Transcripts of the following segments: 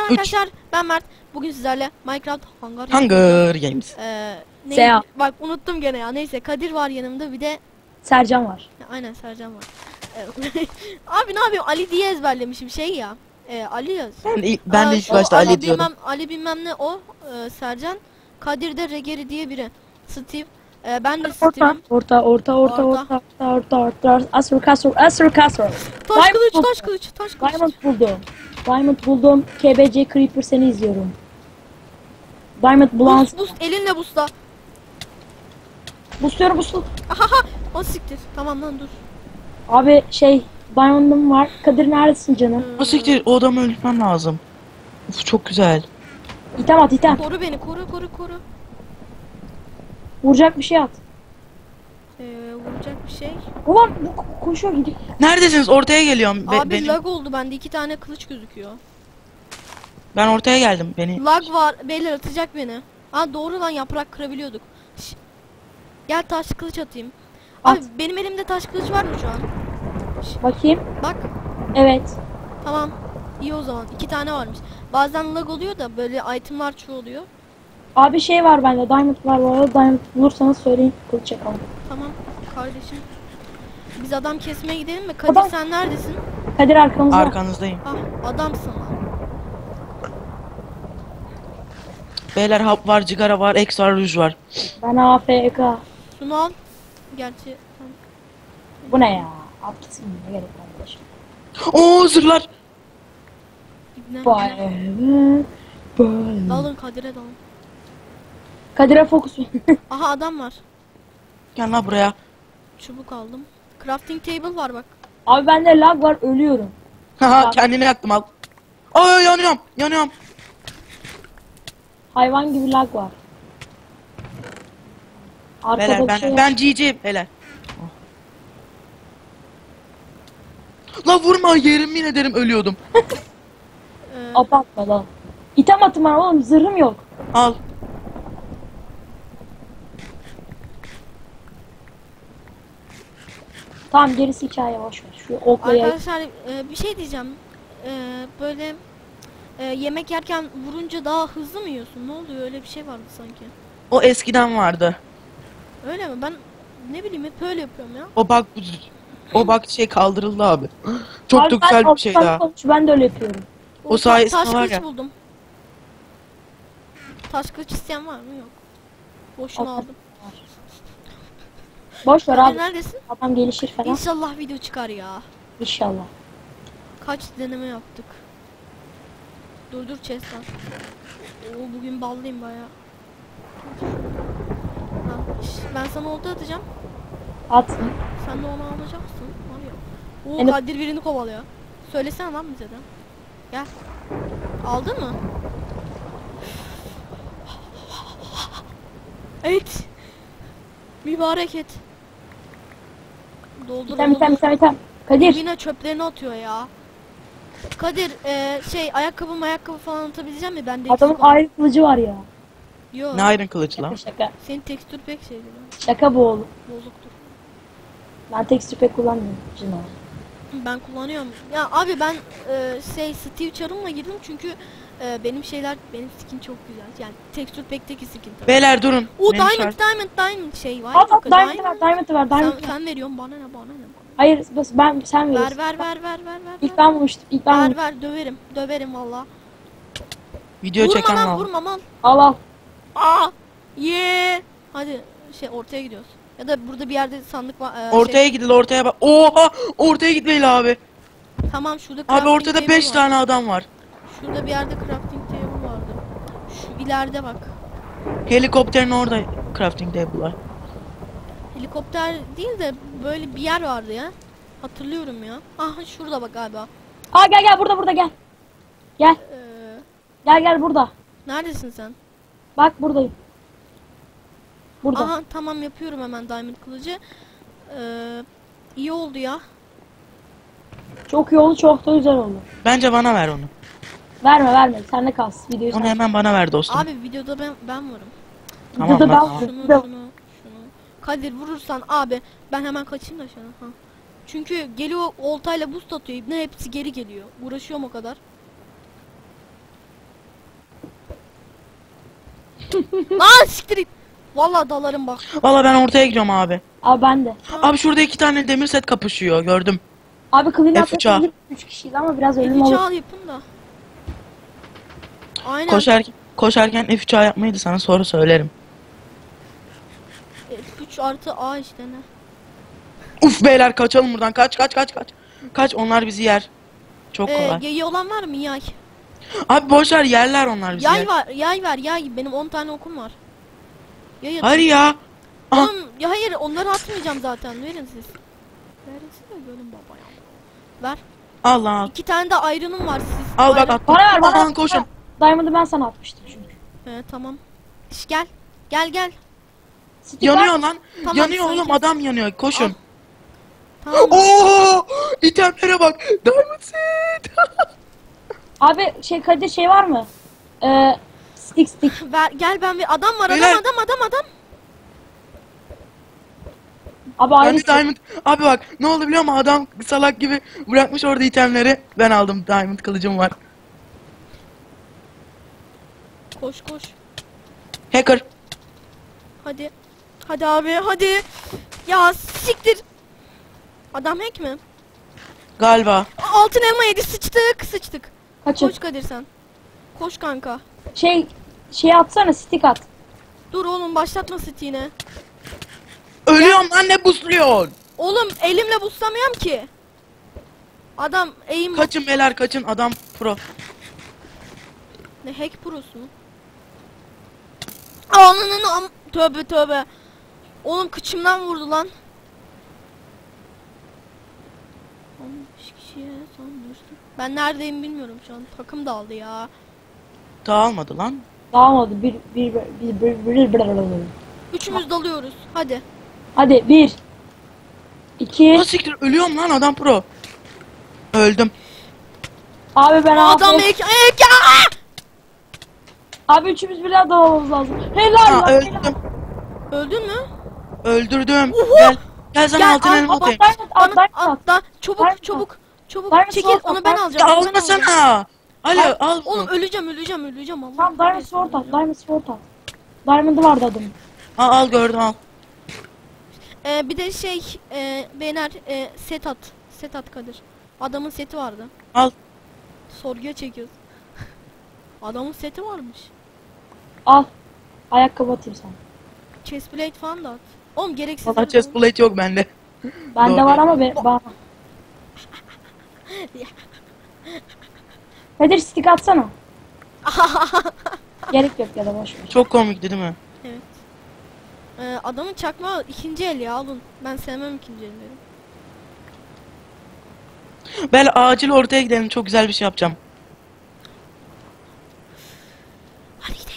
Selam arkadaşlar, ben Mert. Bugün sizlerle Minecraft Hunger Games. Neydi? Bak unuttum gene ya. Neyse, Kadir var yanımda, bir de Sercan var. aynen Sercan var. Abi ne yapayım? Ali diye ezberlemişim şey ya. Ali yaz. Ben de ilk başta Ali diyordum. Ali bilmem ne o. Sercan. Kadir de Regeri diye biri. Steve. Ben de Steve'im. Orta. Asur kasur. Taş kılıç. Diamond buldum. KBC Creeper seni izliyorum. Diamond bulan. Boost elinle boostla. Boostluyorum. Ahaha. O siktir. Tamam lan dur. Abi Diamond'ım var. Kadir neredesin canım? O siktir, o adamı öldürmem lazım. Uf, çok güzel. İtem at. Koru beni, koru. Vuracak bir şey at. Vuracak bir şey. Ulan koşuyor gidiyor. Neredesiniz? Ortaya geliyorum. Abi lag oldu, bende 2 tane kılıç gözüküyor. Ben ortaya geldim. Lag var, beyler atacak beni. Ha doğru lan, yaprak kırabiliyorduk. Gel taş kılıç atayım. At. Abi benim elimde taş kılıç var mı şu an? Bakayım. Bak. Evet. Tamam. İyi o zaman. 2 tane varmış. Bazen lag oluyor da böyle itemlar çoğalıyor. Abi var bende. Diamond var bu arada. Diamond bulursanız söyleyin. Kılıç yapalım. Tamam kardeşim. Biz adam kesmeye gidelim mi? Kadir sen neredesin? Kadir arkamızda. Arkanızdayım. Ah adamsın lan. Beyler hap var, cigara var, X var, ruj var. Ben AFK. Şunu al. Gerçi Bu ne ya? At gitsin, ne gerek var arkadaşlar. Oo, zırhlar. İbne. Bye. Dalın Kadir'e dalın. Kadir'e fokus. Aha adam var. Gel lan buraya. Çubuk aldım. Crafting table var bak. Abi bende lag var, ölüyorum. Haha, kendini yaktım, al. Ay, yanıyorum. Hayvan gibi lag var. Arkada Beyler ben GG beyler. La vurma, yemin ederim ölüyordum. Apatma lan. İtem atım var oğlum, zırhım yok. Al. Tamam, gerisi hikaye, boşver. Şu okla yay. Arkadaşlar bir şey diyeceğim. Böyle yemek yerken vurunca daha hızlı mı yiyorsun? Ne oluyor? Öyle bir şey vardı sanki. O eskiden vardı. Öyle mi? Ben ne bileyim hep öyle yapıyorum ya. O bak kaldırıldı abi. Çok Abi da güzel bir şey daha. Ben de öyle yapıyorum. O sayesinde taş var kılıç ya. buldum. Taş kılıç isteyen var mı? Yok. Boşuna Al. aldım. Boşver Kadir abi. neredesin? Adam gelişir falan. İnşallah video çıkar ya. İnşallah. Kaç deneme yaptık. Dur chest var. Oo, bugün ballıyım bayağı. Ha, ben sana olta atacağım. At. Sen de onu alacaksın. Var ya. Oo, Yani- Kadir birini kovalıyor. Söylesene lan bize de. Gel. Aldın mı? Evet. Mübarek et. Doldur. İtem. Kadir. Yine çöplerini atıyor ya. Kadir ayakkabı falan atabileceğim mi? Bende Adamın ayrı kılıcı var ya. Yok. Ne iron kılıç lan? Şaka. Senin tekstür pek şeydi lan. Şaka bu oğlum. Bozuktur. Ben tekstür pek kullanmıyorum. Cino. Ben kullanıyorum. Ya abi ben Steve Charım'la girdim çünkü benim skin çok güzel. Yani tekstür pekteki skin tabii. Beyler durun. O Benim diamond şey var. Al Çok güzel. Diamond var. Sen veriyorsun bana ne. Hayır sen veriyorsun. Ver. İlk ben vurmuştum. Ver döverim valla. video çeken al. Vurma lan. Al. Aa! Hadi ortaya gidiyoruz. Ya da burada bir yerde sandık var. Ortaya gidil, ortaya bak. Oha! Ortaya gitmeyin abi. Tamam şurada Abi crafting ortada table 5 var. tane adam var. Şurada bir yerde crafting table vardı. Şu ileride bak. Helikopterin orada crafting table var. Helikopter değil de böyle bir yer vardı ya. Hatırlıyorum ya. Aha şurada bak galiba. Gel burada gel. Gel. Gel burada. Neredesin sen? Bak buradayım. Burada. Aha tamam yapıyorum hemen diamond kılıcı. İyi oldu ya. Çok iyi oldu, çok da güzel oldu. Bence bana ver onu. Verme. Sende kalsın. Videoyu Onu sen. hemen bana ver dostum. Abi videoda ben varım. Tamam, Videoda tamam. Şunu. Kadir vurursan abi ben hemen kaçayım da şuna. Ha. Çünkü geliyor oltayla boost atıyor. İbne hepsi geri geliyor. Uğraşıyorum o kadar. Lan siktir it. Vallahi dalarım bak. Valla ben ortaya gidiyorum abi. Abi ben de. Abi şurada 2 tane demir set kapışıyor gördüm. Abi clean up F3'a. yapabilir 3 kişiyiz ama biraz ölüm F3 olur. al yapın da. Aynen. Koşarken F3A yapmayı da sana sonra söylerim. F3 artı A işte ne? Uf beyler kaçalım buradan kaç. Kaç onlar bizi yer. Çok kolay. Yayı olan var mı yay? Abi boşver yerler onlar bizi Yay yer. var, yay ver, yay. Benim 10 tane okum var. Yay atın. Hayır ya. Aha. Oğlum, ya hayır onları atmayacağım zaten. Verin siz. Verin siz de görün baba ya. Ver. Al lan al. 2 tane de ayrınım var siz. Al bak Ayrı- attım. Bana ver bana. Aman koşun. Diamond'ı ben sana atmıştım çünkü. Tamam. Şş, gel. Gel. Stick Yanıyor var. lan. Tamam, Yanıyor sanki- oğlum adam yanıyor. Koşun. Al. Tamam. Oo! İtemlere bak. Diamond set. Abi Kadir şey var mı? Stick. Ver, gel ben bir adam var. Beyler. Adam. Abi ayrı Ben de diamond. Abi bak ne oldu biliyor musun? Adam salak gibi bırakmış orada itemleri. Ben aldım. Diamond kılıcım var. Koş. Hacker. Hadi. Hadi abi hadi. Ya siktir. Adam hack mi? Galiba. Altın elma yedi sıçtık. kaçır. Koş Kadir sen. Koş kanka. Şey atsana stick at. Dur oğlum başlatma yine. Ölüyorum lan ne busluyorsun? Oğlum elimle buslamıyorum ki. Adam eğim Kaçın beyler kaçın adam pro. ne hack prosu mu? Ananın tövbe. Oğlum kıçımdan vurdu lan. 15 kişiye sanmıştım. Ben neredeyim bilmiyorum şu an. Takım dağıldı ya. Dağılmadı lan. Dağılmadı. Bir. Üçümüz dalıyoruz. Hadi. Hadi 1 2. Ha siktir ölüyorum lan adam pro. Öldüm. Abi ben Adam abi. ek ya! Abi üçümüz birden dalamamız lazım. Helal Ha lan. öldüm. Öldün mü? Öldürdüm. Uhu! Gel. Gel sana Gel, altın al, elma al, atayım. Diamond at. Bana Diamond at. atla. Çabuk. Diamond Çekil sword onu at, ben Diamond- alacağım. Ya onu ben alacağım. almasana. Alo Al. al bunu. Oğlum öleceğim Allah. Tamam Diamond sword at. Diamond sword at. Diamond'ı vardı adamın. Al gördüm al. Bir de beyler set at. Set at Kadir. Adamın seti vardı. Al. Sorguya çekiyoruz. Adamın seti varmış. Al. Ayakkabı atayım sana. Chestplate falan da at. Oğlum gereksiz. Valla chest plate yok bende. Bende Doğru. var ama bana. Kadir stick atsana. Gerek yok ya da boş ver. Çok komikti değil mi? Evet. Adamın çakma ikinci el ya alın. Ben sevmem ikinci elleri. Ben acil ortaya gidelim çok güzel bir şey yapacağım. Hadi gidelim.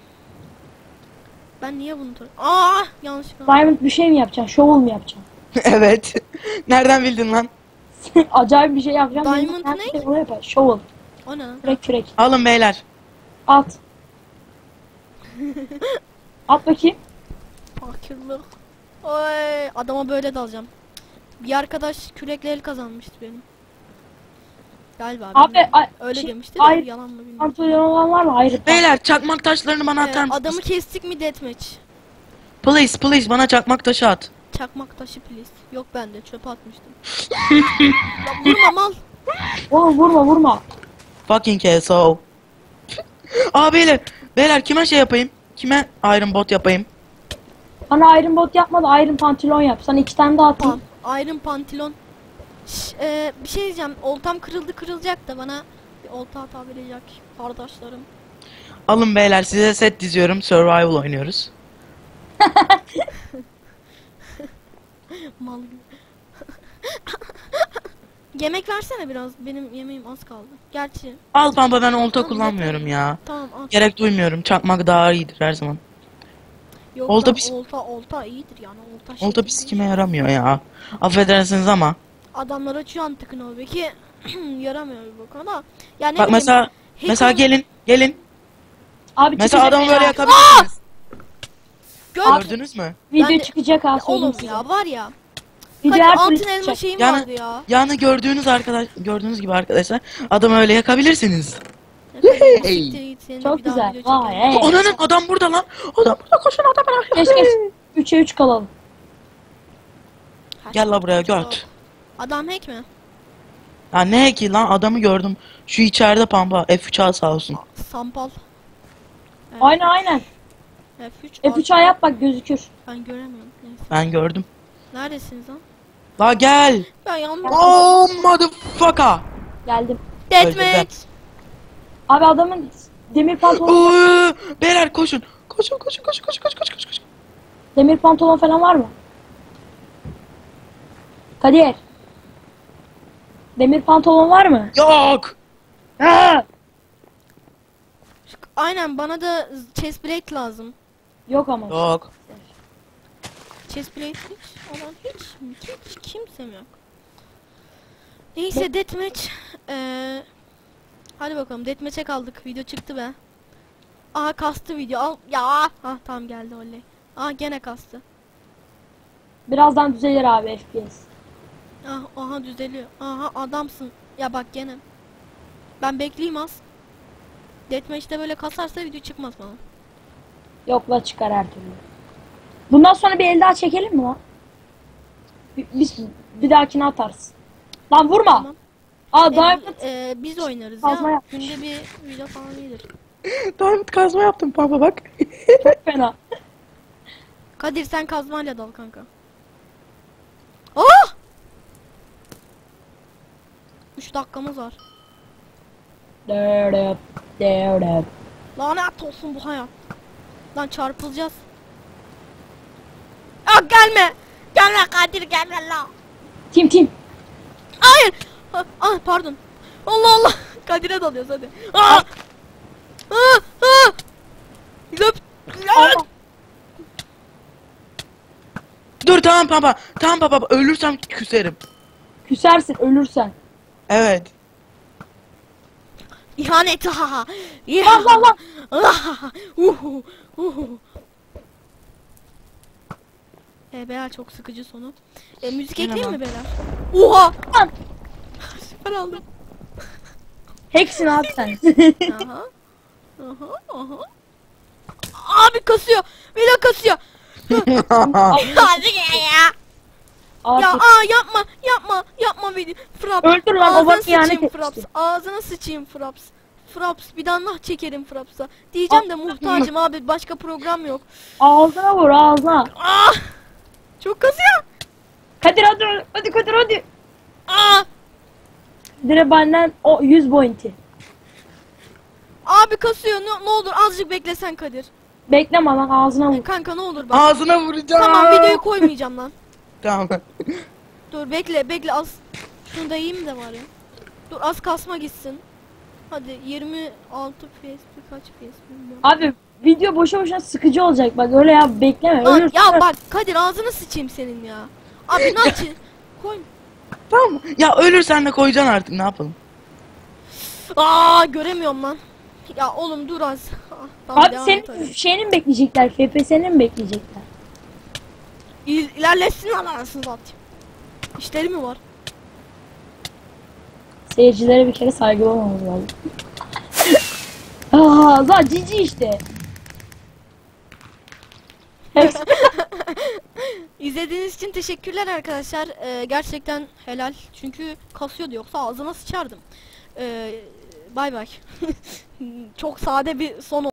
Ben niye bunu yanlışlıkla. Diamond bir şey mi yapacaksın? Shovel mu yapacaksın? Evet. Nereden bildin lan? Acayip bir şey yapacağım. Diamond Benim ne? her şey onu yapar. Shovel. O ne? Kürek. Alın beyler. At. At bakayım. Fakirlik. Oy, adama böyle dalacağım. Bir arkadaş kürekle el kazanmıştı benim. Galiba. Abi bilmiyorum. Öyle demişti de ay- yalan mı bilmiyorum. pantolon olan var mı? Hayır. Beyler çakmak taşlarını bana atar mısınız? Adamı kestik mi deathmatch? Please bana çakmak taşı at. Çakmak taşı please. Yok bende çöpe atmıştım. Ya vurma mal. Oğlum vurma. Fucking KSO. Aa beyler kime şey yapayım? Kime Iron Bot yapayım? Bana iron bot yapma da iron pantolon yap. Sana 2 tane daha atayım. Iron pantolon. Bir şey diyeceğim. Oltam kırılacak da bana bir olta atabilecek kardeşlerim. Alın beyler size set diziyorum. Survival oynuyoruz. Mal gibi. Yemek versene biraz. Benim yemeğim az kaldı. Gerçi. Al pampa ben olta Tamam, kullanmıyorum ya. Tamam al. Gerek duymuyorum. Çakmak daha iyidir her zaman. Yok olta lan, pis- olta iyidir yani. Olta bir sikime yaramıyor ya. Affedersiniz ama. Adamlar açıyor antıkını o belki yaramıyor bir bak ama. Yani Bak mesela gelin. Abi Mesela çıkacak adamı ya. böyle yakabilirsiniz. Gördün. Mü? Video Ben de- çıkacak ha söyleyeyim Oğlum size. ya var ya. Video Hadi her türlü altın elma çıkacak. şeyim Yani- vardı ya. Yani gördüğünüz gibi arkadaşlar adamı öyle yakabilirsiniz. Hey. Siktir git, seninle Çok bir daha güzel. video Vay, çekelim. hey. Ananın adam burada lan. Adam burada, koşun adam bana. Geç geç. 3'e 3 kalalım. Gel la buraya göt. Adam hack mi? Ya ne ki lan, adamı gördüm. Şu içeride pampa. F3 al sağ olsun. Sampal. Evet. Aynen. F3. F3 yap bak gözükür. Ben göremiyorum. Neyse. Ben gördüm. Neredesiniz lan? La gel. Ben yandım. Oh motherfucker. Geldim. Deathmatch. Abi adamın demir pantolon, Oo, beyler koşun. Koşun koşun koşun koşun koşun koşun koşun. demir pantolon falan var mı? Kadir. Demir pantolon var mı? Yok. Ha! Aynen, bana da chest plate lazım. Yok ama. Yok. Chest plate hiç olan hiç kimsem yok. Neyse deathmatch. Hadi bakalım, deathmatch'e kaldık. Video çıktı be. Aha kastı video. Al ya. Ha tamam, geldi oley. Aha gene kastı. Birazdan düzelir abi FPS. Ah, aha düzeliyor. Aha adamsın. Ya bak gene. Ben bekleyeyim az. Deathmatch'te böyle kasarsa video çıkmaz bana. Yok la çıkar her türlü. Bundan sonra bir el daha çekelim mi lan? Biz bir dahakine atarız. Lan vurma. Tamam. Aa Diamond Biz oynarız Kazma ya. yapmış. Günde bir video falan iyidir. Diamond kazma yaptım pampa bak. çok fena. Kadir sen kazmayla dal kanka. Oh! 3 dakikamız var. Dördöp, dördöp. Lanet olsun bu hayat. Lan çarpılacağız. Ah gelme. Gelme Kadir, gelme la. Tim. Hayır. Ah pardon. Allah Allah. Kadir'e dalıyoruz hadi. Ah! Ah! Ah! Löp. Allah. Dur tamam pampa. Tamam pampa, ölürsem küserim. Küsersin ölürsen. Evet. İhanet ha. Lan lan lan. Beyler çok sıkıcı sonu. Müzik Yine ekleyeyim lan. mi beyler? Oha! Lan. Süper aldım. Hacksin abi sen. Aha. Aha. Abi kasıyor. Video kasıyor. Hadi ya. Ya Artık yapma video. Fraps. öldür lan, Ağzına baban ihanet sıçayım etmişti. Fraps. Ağzına sıçayım Fraps. Fraps bir daha nah çekerim Fraps'a. Diyeceğim de muhtacım abi, başka program yok. ağzına vur ağzına. Ah! Çok kasıyor. Kadir hadi Kadir hadi. Ah! Dire benden o 100 pointi. Abi kasıyor. Ne olur azıcık beklesen Kadir. Bekleme lan ağzına vur. Kanka ne olur bak. Ağzına vuracağım. Tamam, videoyu koymayacağım lan. Tamam. Dur bekle az. Şunu da yiyeyim de var ya. Dur az kasma gitsin. Hadi 26 FPS kaç FPS bilmiyorum. Abi video boşa sıkıcı olacak bak öyle ya bekleme Lan, ölürsün. ya bak Kadir ağzını sıçayım senin ya. Abi ne yapayım? Koy. Tamam. Ya ölürsen de koyacaksın artık, ne yapalım. Aa göremiyorum lan. Ya oğlum dur az. Ah, tamam, Abi devam et senin hadi. şeyini mi bekleyecekler? FPS'ini mi bekleyecekler? İlerlesin lan anasını satayım. İşleri mi var? Seyircilere bir kere saygılı olmamız lazım. Aa, lan cici işte. Hepsi İzlediğiniz için teşekkürler arkadaşlar. Gerçekten helal. Çünkü kasıyordu, yoksa ağzına sıçardım. Bay bay. Çok sade bir son oldu.